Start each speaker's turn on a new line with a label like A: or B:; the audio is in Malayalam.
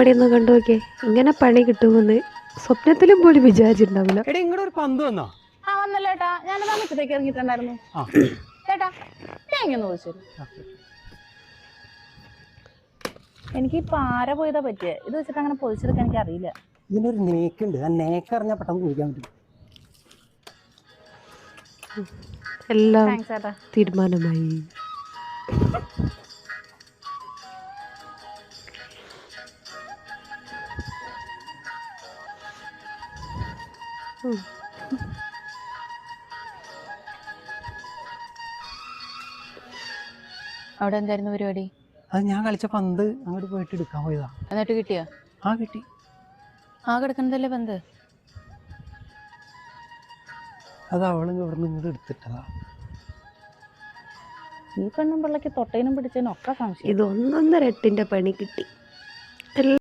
A: പണിയൊന്ന് കണ്ടു നോക്കിയേ. ഇങ്ങനെ പണി കിട്ടുമെന്ന് സ്വപ്നത്തിലും പോലും വിചാരിച്ചിട്ടുണ്ടാവില്ല.
B: എടാ ഇങ്ങോട്ട് ഒരു പന്ത് വന്നോ?
C: ആ വന്നല്ലോ ഏട്ടാ. ഞാനതാ മുറ്റത്തേക്ക് ഇറങ്ങിയിട്ടുണ്ടായിരുന്നു. ചേട്ടാ തേങ്ങ ഒന്ന് ചോദിച്ചു. എനിക്ക് ഈ പാര പോയതാ പറ്റിയേ. ഇത് വെച്ചിട്ട് അങ്ങനെ പൊതിച്ചെടുക്കാൻ എനിക്ക് അറിയില്ല.
B: ഇതിനൊരു നേക്കുണ്ട്. ആ നേക്ക് അറിഞ്ഞാൽ പെട്ടെന്ന് കുഴിക്കാൻ പറ്റും.
A: എല്ലാം തീരുമാനമായി.
C: അവിടെ എന്തായിരുന്നു പരിപാടി?
B: അത് ഞാൻ കളിച്ച പന്ത് അങ്ങോട്ട് പോയിട്ട് എടുക്കാൻ പോയതാ.
C: എന്നിട്ട് കിട്ടിയോ?
B: ആ കിട്ടി.
C: ആ കിടക്കുന്നതല്ലേ പന്ത്?
B: അത് അവള് ഇവിടെ നിന്ന് ഇങ്ങോട്ട് എടുത്തിട്ടതാ.
C: ഈ പെണ്ണും പിള്ളക്ക് തൊട്ടേനും പിടിച്ചതിനും ഒക്കെ സംശയം.
A: ഇത് 1.5 പണി കിട്ടി.